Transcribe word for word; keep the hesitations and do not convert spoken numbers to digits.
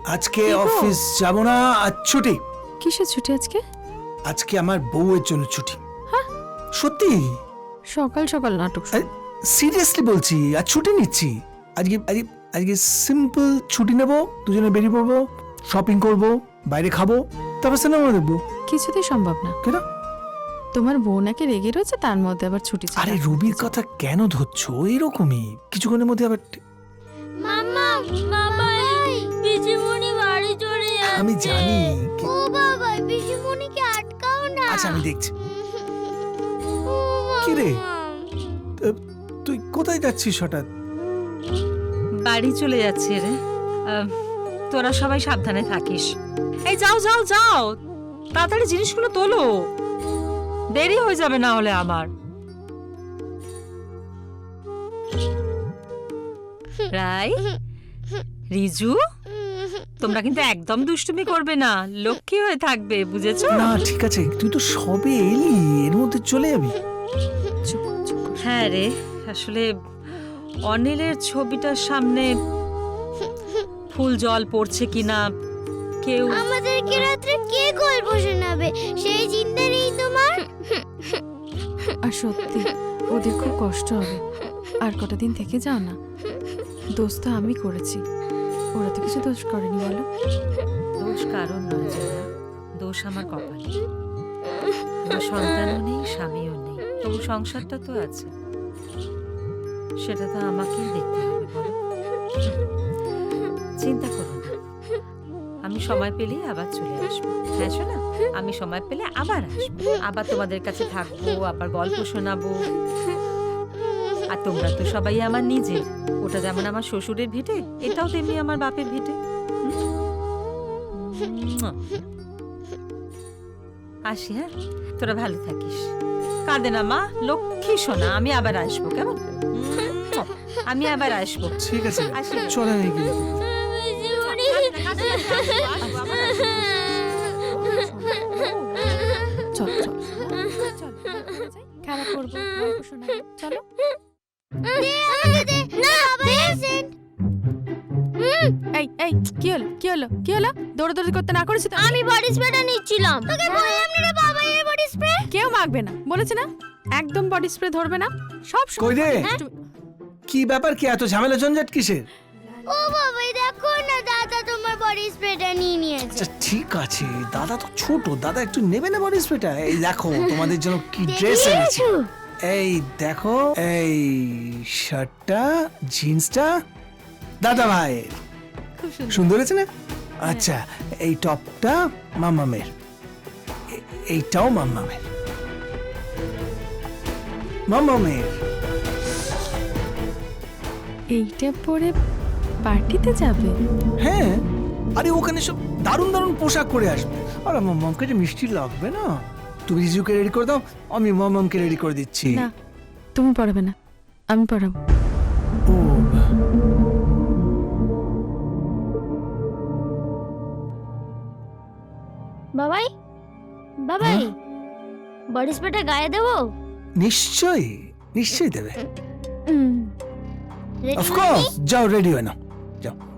আজকে অফিস যাব না, আজ ছুটি। কিসের ছুটি আজকে? আজকে আমার বউয়ের জন্য ছুটি। হ্যাঁ সত্যি, সকাল সকাল নাটক শুরু। সিরিয়াসলি বলছি, আজ ছুটি নিচ্ছি। আজকে আজকে আজকে সিম্পল ছুটি নেব, দুজনে বেরিয়ে পড়বো, শপিং করব, বাইরে খাবো, তারপর সিনেমা দেখবো। কিছুতেই সম্ভব না। কেন? তোমার বউ নাকি রেগে রয়েছে, তার মধ্যে আবার ছুটি চাই। আরে রবির কথা কেন ধরছো? এরকমই কিছুক্ষণের মধ্যে আবার। মামা মামা পিসিমণি বাড়ি চলে যাচ্ছে। আমি জানি। ও বাবা, পিসিমণিকে আটকাও না। আচ্ছা আমি দেখছি। ও কি রে? মামা। তুই কোথায় যাচ্ছিস হঠাৎ? বাড়ি চলে যাচ্ছি রে। আহ, তোরা সবাই সাবধানে থাকিস। এই যাও যাও যাও, তাড়াতাড়ি জিনিসগুলো তোলো, দেরি হয়ে যাবে না হলে আমার। রাই, রিজু, তোমরা কিন্তু একদম দুষ্টুমি করবে না, লক্ষ্মী হয়ে থাকবে, বুঝেছো? না ঠিক আছে, তুই তো সবে এলি, এর মধ্যে চলে যাবি? হ্যাঁ রে, আসলে অনিলের ছবিটার সামনে ফুল জল পড়ছে কিনা, কেউ আমাদেরকে রাত্রে কে গল্প শোনাবে সেই চিন্তা নেই তোমার? আর সত্যি ওদের খুব কষ্ট হবে। আর কটা দিন থেকে যাও না। দোষ তো আমি করেছি, ওরা তো কিছু দোষ করেনি। বলো, দোষ কারণ নয় জানা, দোষ আমার কপালে। আমার সন্তানও নেই, স্বামীও নেই, তবু সংসারটা তো আছে, সেটা তো আমাকেই দেখতে হবে। বলো, চিন্তা করো না, আমি সময় পেলেই আবার চলে আসবো। হ্যাঁ শোনা, আমি সময় পেলে আবার আসবো, আবার তোমাদের কাছে থাকবো, আবার গল্প শোনাবো। আর তোমরা তো সবাই আমার নিজের, ওটা যেমন আমার শ্বশুরের ভিটে, এটাও তেমনি আমার বাপের ভিটে। আসি, হ্যাঁ, তোরা ভালো থাকিস, কাঁদে না মা, লক্ষ্মী সোনা, আমি আবার আসবো, কেমন? আমি আবার আসবো। ঠিক আছে, আসি। চলে নেই গিয়ে। পিসিমণি। চল চল চল, খেলা করবো, গল্প শোনাবো, চলো। দে আমাকে দে। না পেশেন্ট। এই এই কি হলো কি হলো কি হলো? দৌড়াদৌড়ি করতে না করেছি তো? আমি বডি স্প্রেটা নিচ্ছিলাম। তোকে বললাম না রে বাবা, এই বডি স্প্রে। কেউ মাখবে না, বলেছে না? একদম বডি স্প্রে ধরবে না। সব সময়- কই রে? দুষ্টুমি। কি ব্যাপার, কি এত ঝামেলা ঝঞ্ঝাট কিসের? ও বাবা, এই দেখো না, দাদা তোমার বডি স্প্রেটা নিয়ে নিয়েছে। আচ্ছা ঠিক আছে, দাদা তো ছোট, দাদা একটু নেবে না বডি স্প্রেটা? এই দেখো তোমাদের জন্য কি ড্রেস এনেছি। এই দেখো, এই শার্টটা, জিন্সটা দাদা ভাই, খুব সুন্দর। সুন্দর হয়েছে না? আচ্ছা, এই টপটা মাম্মামের, এ- এইটাও মাম্মামের, মাম্মামের। এইটা পরে পার্টিতে যাবে? হ্যাঁ, আরে ওখানে সব দারুণ দারুণ পোশাক করে আসবে। আর আমার মমকে যে মিষ্টি লাগবে না, তুমি রিজুকে রেডি করে দাও, আমি মমকে রেডি করে দিচ্ছি। না, তুমি পড়াবে না, আমি পড়াবো। ও বাবাই, বাবাই, বডি স্প্রেটা গায়ে দেবো? নিশ্চয়ই নিশ্চয়ই দেবে, হুম। Ready of course. যাও রেডি হয়ে নাও, যাও।